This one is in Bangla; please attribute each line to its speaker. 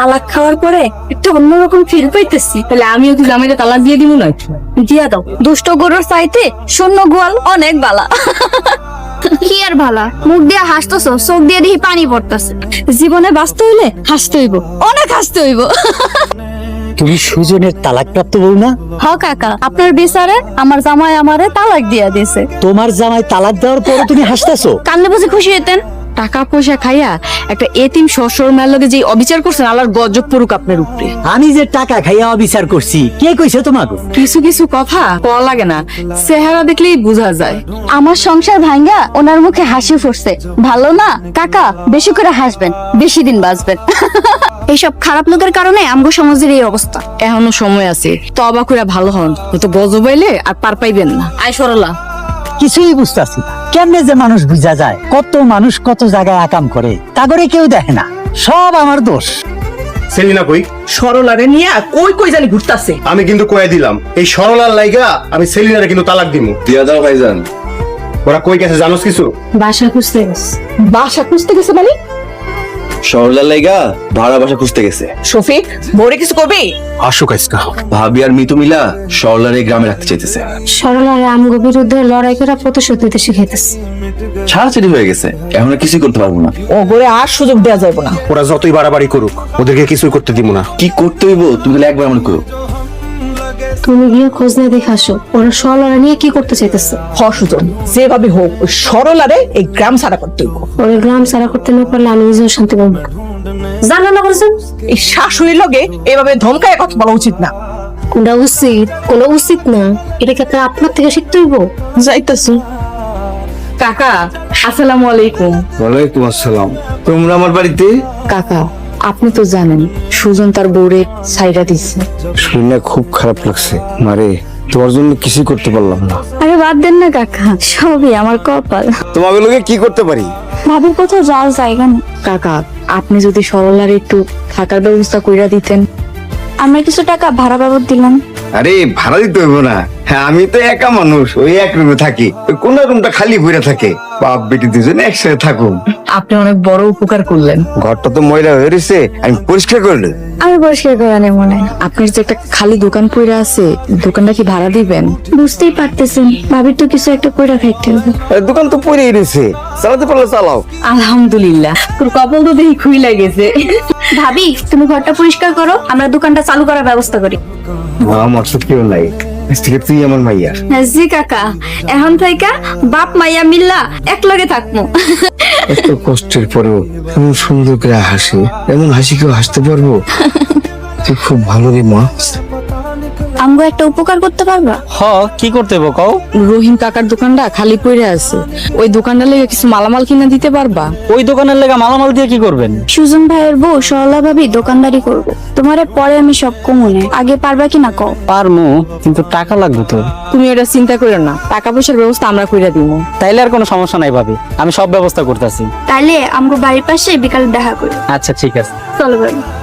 Speaker 1: তালাক খাওয়ার পরে একটা অন্যরকম ফিল পাইতেছি।
Speaker 2: তাহলে আমিও কি জামাইটা তালাক দিয়ে দিব না?
Speaker 1: দিয়া দাও, দুষ্ট গরুর চাইতে শূন্য গোয়াল অনেক বালা।
Speaker 3: কি আর ভালা, মুখ দিয়ে হাসতেছো, চোখ দিয়ে দেখি পানি পড়তেছে।
Speaker 1: জীবনে বাঁচতে হইলে হাসতে হইব, অনেক হাসতে হইব।
Speaker 4: তুমি সুজনের তালাক প্রাপ্ত বউ না?
Speaker 1: হ কাকা, আপনার বিচারে আমার জামাই আমারে তালাক দিয়া দিছে।
Speaker 4: তোমার জামাই তালাক দেওয়ার পরে তুমি হাসতেছো?
Speaker 1: কান্দে বুঝে খুশি হইতেন?
Speaker 2: টাকা পয়সা খাইয়া একটা এতিম শ্বশুর মেয়ের লগে যে অবিচার করছেন, আল্লাহর গজব পড়ুক আপনার উপরে।
Speaker 4: আমি যে টাকা খাইয়া অবিচার করছি, কে কইছে তোমাকে?
Speaker 2: কিছু কিছু কথা কওয়া লাগে না, চেহারা দেখলেই বোঝা যায়।
Speaker 1: আমার সংসার ভাঙ্গা ওনার মুখে হাসি ফুটছে, ভালো না কাকা? বেশি করে হাসবেন, বেশি দিন বাঁচবেন।
Speaker 3: এইসব খারাপ লোকের কারণে আমগো সমাজের এই অবস্থা।
Speaker 2: এখনো সময় আছে, তবা করে ভালো হন, তো গজব আইলে আর পার পাইবেন না। আয় সরলা।
Speaker 4: কিছুই বুঝতেছি না, কেমনে যে মানুষ বুঝা যায়? কত মানুষ কত জায়গায় আকাম করে, তা করে কেউ দেখে না। সব আমার দোষ।
Speaker 5: সেলিনা কই?
Speaker 6: সরলারে নিয়ে কই কই জানি ঘুরতাছে।
Speaker 5: আমি কিন্তু কয়ে দিলাম, এই সরলার লাইগা আমি সেলিনারে কিন্তু তালাক দিমু।
Speaker 7: দিয়া দাও ভাইজান।
Speaker 5: ওরা কই গেছে জানোস কিছু?
Speaker 1: বাসা খুঁজতে গেছে।
Speaker 6: বাসা খুঁজতে গেছে মানে?
Speaker 7: সরলার লাইগা ভাড়া বাসা খুঁজতে গেছে।
Speaker 6: শফিক, বড়ে কিছু করবি?
Speaker 5: আসুক আজকা।
Speaker 7: ভাবি আর মিতু মিলা সরলার এই গ্রামে রাখতে চাইতেছে।
Speaker 1: সরলারে আমগো বিরুদ্ধে লড়াই করে প্রতিশোধ নিতে শিখাইতেছে।
Speaker 7: ছাড়াছাড়ি হয়ে গেছে, এখন আর কিছুই করতে পারবো না।
Speaker 6: ও করে আর সুযোগ দেওয়া যাবে না।
Speaker 5: ওরা যতই বাড়াবাড়ি করুক, ওদেরকে কিছুই করতে দিব না।
Speaker 7: কি করতে হইব তুমি তাহলে একবার মনে করো।
Speaker 1: তুমি গিয়ে খোঁজ নিয়ে দেখে আসো, ওরা সরলারে নিয়ে কি করতে চাইতেছে।
Speaker 6: সুজন, যেভাবে হোক ওই সরলারে এই গ্রাম ছাড়া করতে হইব।
Speaker 1: ওই গ্রাম সারা করতে না পারলে আমি নিজেও শান্তি পাবো না। জানো না বলছেন,
Speaker 6: এই শাশুড়ির লগে এভাবে ধমকায় কথা বলা উচিত না।
Speaker 1: কোনটা উচিত কোনটা উচিত না, এটা কি আপনার থেকে শিখতে হইব?
Speaker 6: যাইতাছি।
Speaker 2: কাকা আসসালামু আলাইকুম।
Speaker 7: ওয়ালাইকুম আসসালাম। তোমরা আমার বাড়িতে?
Speaker 2: কাকা আপনি তো জানেন সুজন তার বউরে ছাইরা দিচ্ছে।
Speaker 7: শুনে খুব খারাপ লাগছে মারে, তোমার জন্য কিছুই করতে পারলাম না।
Speaker 1: আরে বাদ দেন না কাকা, সবই আমার কপাল।
Speaker 7: তোমাকে লোকে কি করতে পারি?
Speaker 1: ভাবির কোথাও যাওয়ার জায়গা নেই।
Speaker 2: কাকা আপনি যদি সরলার একটু থাকার ব্যবস্থা কইরা দিতেন।
Speaker 1: আমরা কিছু টাকা ভাড়া বাবদ দিলাম।
Speaker 7: আরে ভাড়া দিতে হইব না, হ্যাঁ আমি তো একা মানুষ, ওই এক রুমে থাকি, ওই কোন রুমটা খালি পড়ে থাকে। বাপ বেটি দুজনে একসাথে থাকুন।
Speaker 2: আপনি অনেক বড় উপকার করলেন।
Speaker 7: ঘরটা তো ময়লা হয়ে রয়েছে, আমি পরিষ্কার করলে।
Speaker 1: আমি পরিষ্কার করে নেই মনে হয়।
Speaker 2: আপনার যে একটা খালি দোকান পইরা আছে, দোকানটা কি ভাড়া দিবেন?
Speaker 1: বুঝতেই পারতেছেন, ভাবির তো কিছু একটা কইরা খাইতে হবে।
Speaker 7: দোকান তো পড়েই রয়েছে, চালাতে পারলে চালাও।
Speaker 2: আলহামদুলিল্লাহ, তোর কপাল তো দেখি খুইলা গেছে।
Speaker 1: ভাবি তুমি ঘরটা পরিষ্কার করো, আমরা দোকানটা চালু করার ব্যবস্থা করি।
Speaker 7: আমার তো কেউ নাই, আজ থেকে তুই আমার মাইয়া।
Speaker 1: জি কাকা, এখন থেকে বাপ মাইয়া মিল্লা এক লগে থাকবো।
Speaker 7: এত কষ্টের পরেও এমন সুন্দর করে হাসি, এমন হাসি কেউ হাসতে পারবো? তুই খুব ভালো রে মা।
Speaker 1: আমগো একটা উপকার করতে পারবা?
Speaker 4: হ, কি করতে হইব কও?
Speaker 2: রহিম কাকার দোকানটা খালি পইরা আছে, ওই দোকানটা লেগে কিছু মালামাল কিনা দিতে পারবা?
Speaker 4: ওই দোকানের লেগা মালামাল দিয়ে কি করবেন?
Speaker 1: সুজন ভাইয়ের বউ সরলা ভাবি দোকানদারি করবো, তোমারে পরে আমি সব কমুনে, আগে পারবা কিনা কও?
Speaker 4: পারমু, কিন্তু টাকা লাগবে তো।
Speaker 2: তুমি এটা চিন্তা করো না, টাকা পয়সার ব্যবস্থা আমরা কইরা দিব।
Speaker 4: তাইলে আর কোনো সমস্যা নাই ভাবি, আমি সব ব্যবস্থা করতেছি।
Speaker 1: তাইলে আমগো বাড়ির পাশে বিকালে দেখা করি।
Speaker 4: আচ্ছা ঠিক আছে।
Speaker 1: চলো ভাই।